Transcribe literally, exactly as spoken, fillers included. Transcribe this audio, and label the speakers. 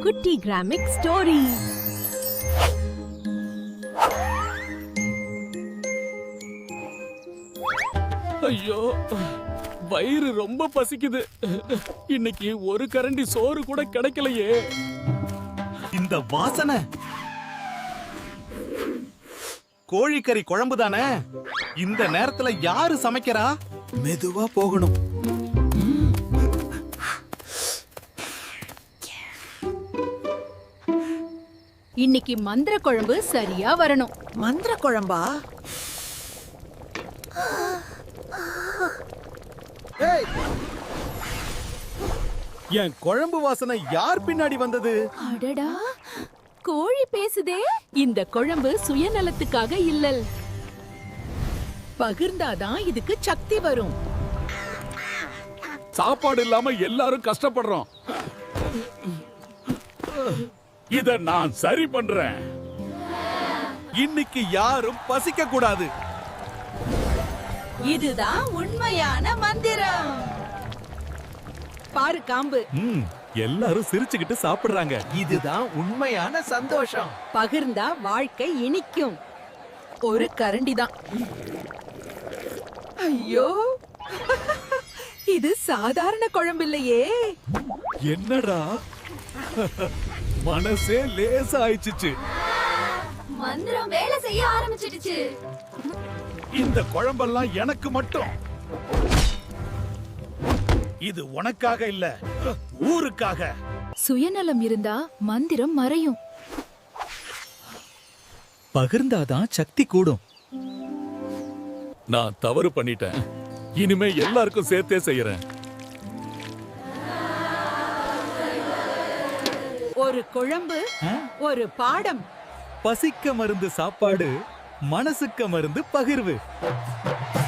Speaker 1: குட்டி கிராமிக் ஸ்டோரி.
Speaker 2: ஐயோ, வயிறு ரொம்ப பசிக்குது. இன்னைக்கு ஒரு கரண்டி சோறு கூட கிடைக்கலையே.
Speaker 3: இந்த வாசனை கோழிக்கறி குழம்பு தானே? இந்த நேரத்துல யாரு சமைக்கிறா? மெதுவா போகணும்.
Speaker 1: இன்னைக்கு மந்திர குழம்பு சரியா வரணும்.
Speaker 4: மந்திர குழம்பா?
Speaker 3: என் குழம்பு வாசனை யார் பின்னாடி வந்தது?
Speaker 1: அடடா, கோழி பேசுதே. இந்த குழம்பு சுயநலத்துக்காக இல்லல்,
Speaker 4: பகிர்ந்தாதான் இதுக்கு சக்தி வரும்.
Speaker 2: சாப்பாடு இல்லாம எல்லாரும் கஷ்டப்படுறோம். இத நான் சரி பண்றேன்.
Speaker 3: இன்னைக்கு யாரும் பசிக்க கூடாது.
Speaker 4: இதுதான் உண்மையான மந்திரம். பாரு காம்பு,
Speaker 3: ம், எல்லாரும் சிரிச்சுக்கிட்டு சாப்பிடுறாங்க. இதுதான் உண்மையான சந்தோஷம்.
Speaker 4: பகிர்ந்தா வாழ்க்கை இனிக்கும். ஒரு கரண்டி தான். ஐயோ, இது சாதாரண குழம்பு இல்லையே.
Speaker 3: என்னடா, மனசே லேசா ஆயிடுச்சு.
Speaker 5: மந்திரம் வேலை செய்ய ஆரம்பிச்சிடுச்சு.
Speaker 2: இந்த குழம்பெல்லாம் எனக்கு மட்டும். இது உனக்காக இல்ல, ஊருக்காக.
Speaker 1: சுயநலம் இருந்தா மந்திரம் மறையும்.
Speaker 3: பகிர்ந்தாதான் சக்தி கூடும்.
Speaker 2: நான் தவறு பண்ணிட்டேன். இனிமே எல்லாருக்கும் சேர்த்தே செய்யறேன்.
Speaker 4: ஒரு குழம்பு, ஒரு பாடம்.
Speaker 3: பசிக்க மருந்து சாப்பாடு, மனசுக்க மருந்து பகிர்வு.